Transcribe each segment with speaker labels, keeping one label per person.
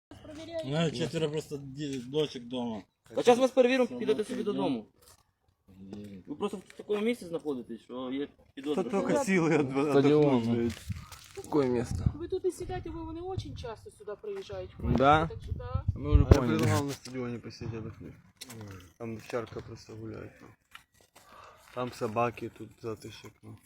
Speaker 1: Ну, четверо просто дочек дома.
Speaker 2: А зараз вас перевіримо, підете собі додому. Ви просто в такому місці знаходитесь, що є підозра.
Speaker 3: Та тільки сили отдохнуть.
Speaker 4: Какое место?
Speaker 5: Вы тут и сидите, вы очень часто сюда приезжаете.
Speaker 4: Да?
Speaker 5: Так что да.
Speaker 4: Мы уже
Speaker 3: Я
Speaker 4: поняли.
Speaker 3: предлагал на стадионе посидеть отдохнуть. Там овчарка просто гуляет. Ну. Там собаки, тут затышек. Ну.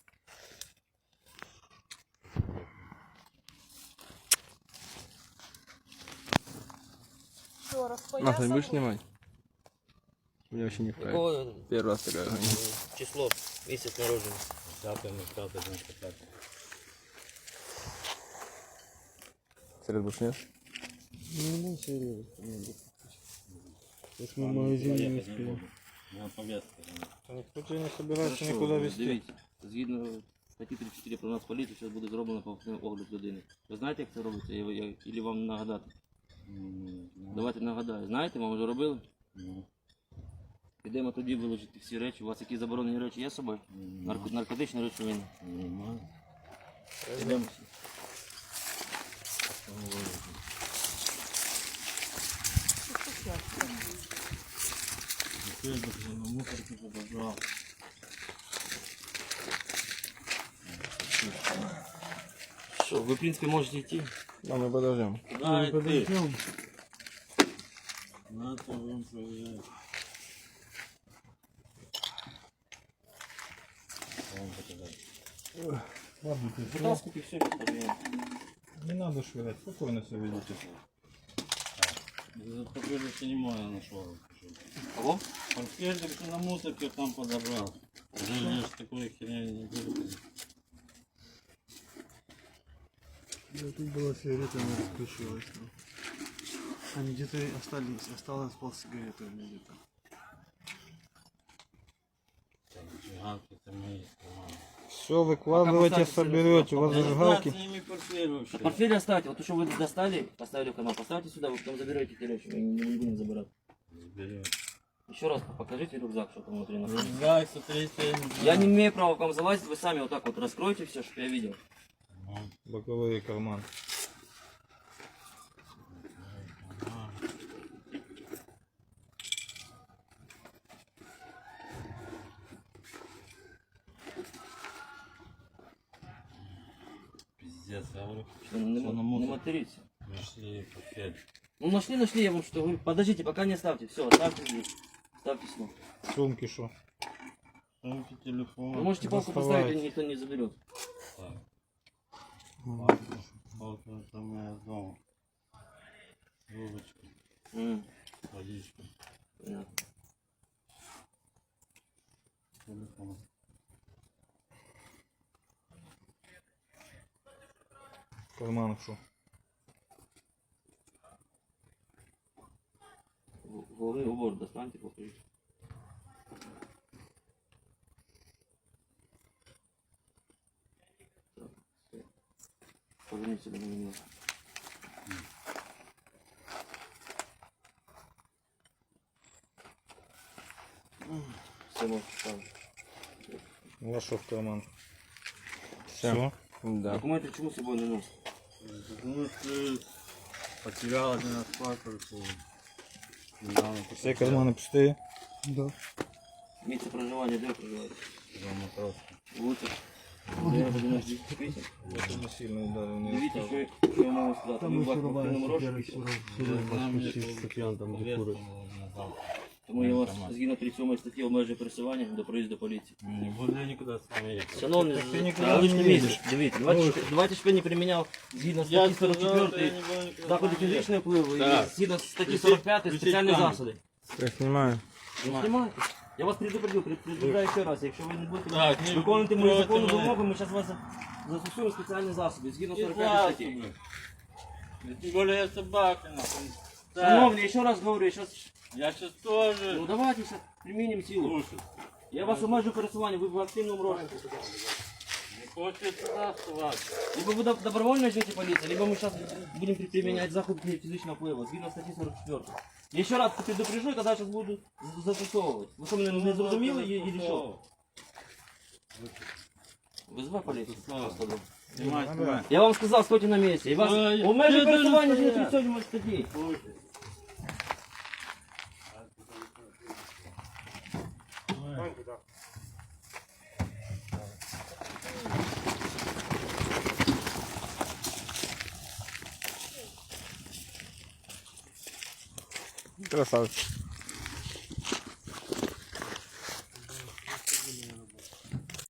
Speaker 5: Что,
Speaker 4: Нахуй
Speaker 5: распоясал?
Speaker 4: будешь снимать? Мне вообще не вправе.
Speaker 2: Якого
Speaker 4: Первый раз такая гоня.
Speaker 2: число, місяць народження?
Speaker 1: 5.
Speaker 4: Серед бушнешь?
Speaker 3: Ну, серьезно. Сейчас мы в магазине не успеем.
Speaker 1: На повестке.
Speaker 3: Никто тебя не собирается
Speaker 2: Хорошо,
Speaker 3: никуда везти.
Speaker 2: Дивіться, згідно статті 34 про нас поліцію, зараз буде зроблено повторний огляд людини. Ви знаєте, як це робиться? Или вам нагадати? Давайте нагадаю. Знаєте, вам вже робили? Підемо тоді виложити всі речі. У вас які заборонені речі є з собою? Наркотичні речовини. Підемо всі.
Speaker 1: На мусорку подобрал.
Speaker 2: Що, ви, в принципі, можете йти.
Speaker 4: Да, мы подождем.
Speaker 1: Да, и ты. Надо вам проверять.
Speaker 3: Ладно, ты
Speaker 2: Вытаскивайте все, подождем.
Speaker 3: не надо швырять, спокойно все ведите.
Speaker 1: Похоже, что не мой нашел.
Speaker 2: Кого?
Speaker 1: Портфельчик что на мусорке там подобрал. Уже я ж такой херня не буду.
Speaker 3: Тут была сигарета, она расключилась. Ну. Они где-то осталось полсигареты у меня где-то.
Speaker 1: Зажигалки это мои.
Speaker 4: Все выкладывайте, соберете. У вас
Speaker 1: Я
Speaker 4: зажигалки.
Speaker 1: с ними портфель вообще.
Speaker 2: Портфель оставьте. Вот то, что вы достали, поставили в канал, поставьте сюда, вы потом заберете эти речи. Мы не будем забирать.
Speaker 1: Заберем.
Speaker 2: Еще раз покажите рюкзак, что там внутри находится.
Speaker 1: Рюкзак, смотрите.
Speaker 2: Я не имею права к вам залазить, вы сами вот так вот раскройте все, чтобы я видел.
Speaker 3: Боковые карманы.
Speaker 1: Пиздец, я говорю.
Speaker 2: Что, не,
Speaker 1: Всё на
Speaker 2: не
Speaker 1: мусор.
Speaker 2: материте.
Speaker 1: Нашли портфель.
Speaker 2: Ну нашли, я вам что говорю. Подождите, пока не ставьте. Все, оставьте здесь. Ставьте сюда.
Speaker 3: Сумки шо?
Speaker 1: Сумки, телефон.
Speaker 2: Вы можете палку
Speaker 3: доставайте.
Speaker 2: поставить, и никто не заберет.
Speaker 1: Палка, это моя дома. Трубочка, водичка,
Speaker 2: Понятно.
Speaker 1: телефон.
Speaker 3: В карманах шо?
Speaker 2: Головный убор достаньте, покажите. Так, всё. Поверните сюда на меня. Все, можете ставить.
Speaker 3: Вашо в карман.
Speaker 4: Все. Да.
Speaker 2: Документы почему с собой не носят?
Speaker 1: Потому что потерял один раз паспорт. Недавно
Speaker 3: Все карманы пустые? Да.
Speaker 2: Место проживания, где вы проживаете?
Speaker 1: дома просто.
Speaker 2: Лучше. Я буду на 10 писем.
Speaker 3: Это не сильно ударил.
Speaker 2: Дивіться, що я можу сказати. Ви бачите в кримінальному розшуку. Тому я вас згідно 37 статті обмежую пересування до проїзду поліції.
Speaker 1: Не буду я никуда с вами ехать.
Speaker 2: Шановний,
Speaker 3: ти нікуди
Speaker 2: я
Speaker 3: не
Speaker 2: лично
Speaker 3: їдеш.
Speaker 2: місяць. Дивіться, 24 не приміняв згідно статті 44 заходи фізичного впливу і
Speaker 1: Так.
Speaker 2: згідно статті 45 спеціальні засоди.
Speaker 4: Я снимаю.
Speaker 2: Не знімайте. Я вас предупредил ще раз, якщо ви не будете
Speaker 1: Так, ні,
Speaker 2: виконувати мою
Speaker 1: проти
Speaker 2: законну
Speaker 1: мене.
Speaker 2: вимогу, ми зараз вас застосуємо спеціальні засоби, згідно
Speaker 1: Не
Speaker 2: 45 статті.
Speaker 1: плачь, тем более я собака, нахуй. Так,
Speaker 2: Шановний, я ще раз говорю, я сейчас...
Speaker 1: я сейчас тоже.
Speaker 2: Ну давайте сейчас применим силу.
Speaker 1: Слушай,
Speaker 2: Я вас обмежу пересування, ви в активному розшуку.
Speaker 1: не хочет сюда оставаться.
Speaker 2: Либо вы добровольно ждете полиции, либо мы сейчас будем применять заходы физичного впливу, згідно статті 44. Я ще раз предупрежу, когда сейчас буду застосовывать. Ви що, мене не зрозуміли или що? Вызывай полицию.
Speaker 1: Застосовывай. Знімай, знімай.
Speaker 2: Я вам сказав, стойте на місці. І вас
Speaker 1: Ой,
Speaker 2: у межі
Speaker 1: я дуже
Speaker 2: пересування
Speaker 1: стояв.
Speaker 2: не сьогодні можете діяти.
Speaker 4: Красавчик.